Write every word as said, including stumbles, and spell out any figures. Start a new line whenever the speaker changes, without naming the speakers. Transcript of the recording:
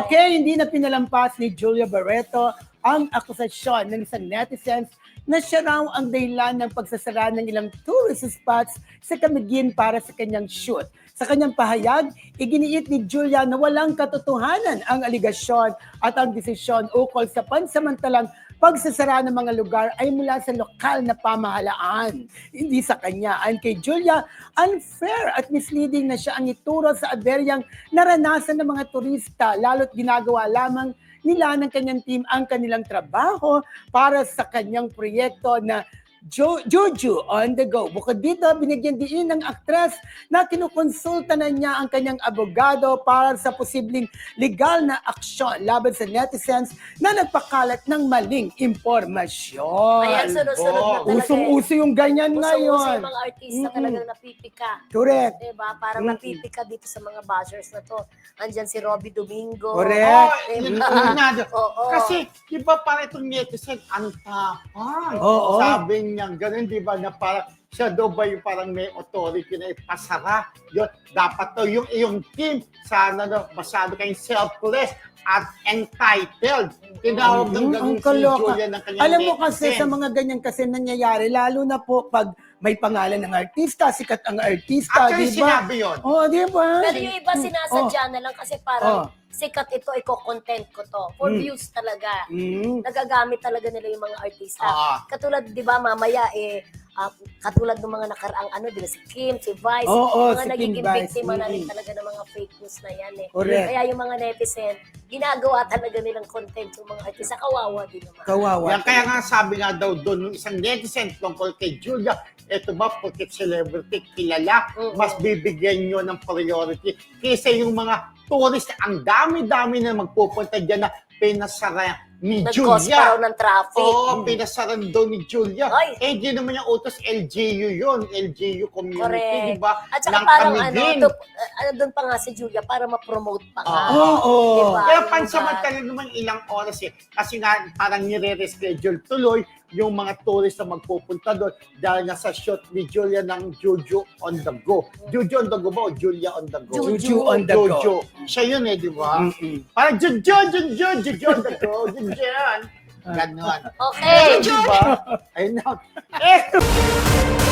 Okay, hindi na pinalampas ni Julia Barreto ang akusasyon ng isang netizens na siya raw ang dahilan ng pagsasara ng ilang tourist spots sa Camiguin para sa kanyang shoot. Sa kanyang pahayag, iginiit ni Julia na walang katotohanan ang aligasyon at ang desisyon ukol sa pansamantalang pagsasara ng mga lugar ay mula sa lokal na pamahalaan, hindi sa kanya. Ayon kay Julia, unfair at misleading na siya ang ituro sa aberyang naranasan ng mga turista, lalo't ginagawa lamang nila ng kanyang team ang kanilang trabaho para sa kanyang proyekto na Jo- Juju on the go. Bukod dito, binigyan din ng aktres na kinukonsulta na niya ang kanyang abogado para sa posibleng legal na aksyon laban sa netizens na nagpakalat ng maling impormasyon.
Ayan, sunod-sunod na talaga.
Usong-uso yung ganyan
Usong-uso
ngayon.
yung mga artista
Mm-mm.
talagang napipika.
Correct.
Diba? Parang
Mm.
napipika dito sa mga bashers na to. Andyan si Robbie Domingo.
Correct.
Oh, yun
Diba?
ang nado.
Oo.
Kasi, di ba para itong netizen, ang tapang.
Oo.
Sabi niya, ganun, di ba, na parang siya daw ba yung parang may authority na ipasara? Yun, dapat to yung iyong team, sana na masyado kayong selfless at entitled. Tinawag ng
Mm,
ganun
ang
si
kaloka.
Julia ng kanyang
Alam mo kasi
netizen.
sa mga ganyan kasi nangyayari, lalo na po pag may pangalan ng artista, sikat ang artista,
Actually,
di ba?
sinabi yun.
Oh, di ba?
Pero yung iba sinasadya na lang kasi parang sikat ito, iko-content ko to. For
Mm.
views talaga.
Mm.
Nagagamit talaga nila yung mga artista.
Ah.
Katulad, di ba, mamaya, eh, ah, katulad ng mga nakaraang ano, di ba, si Kim, si Vice,
Oo,
mga
si Kim
nagiging
Vice,
biktima na rin
mm.
talaga ng mga fake news na yan eh.
Correct.
Kaya yung mga netizen, ginagawa talaga nilang content yung mga artista. Kawawa din naman.
Kawawa.
Yan, kaya nga sabi nga daw doon ng isang netizen tungkol kay Julia, eto ba, porque celebrity kilala,
Mm-mm.
mas bibigyan nyo ng priority kaysa yung mga tourist, ang dami-dami na magpupunta dyan na pinasara ni
Nag-cause
Julia.
pa raw ng traffic.
Oo, pinasaran daw ni Julia.
Ay.
Eh, di naman yung utos L G U yun, L G U community,
Correct.
di ba?
At saka
Ng
parang ano,
Camiguin.
to, ano doon pa nga si Julia para ma-promote pa nga.
Oo. Oh,
Diba?
Kaya
Yung
pansamantala naman ilang oras eh. Kasi nga parang nire-reschedule tuloy yung mga tourist na magpupunta doon dahil nga sa shoot ni Julia ng Juju on the go. Juju on the go ba o Julia on the go?
Juju on the go.
Juju. Siya yun eh, di ba?
Mm-mm.
Parang Juju, Juju, Juju on the go. Juju. Ganon.
Okay.
Di ba? Ayun na. Eh,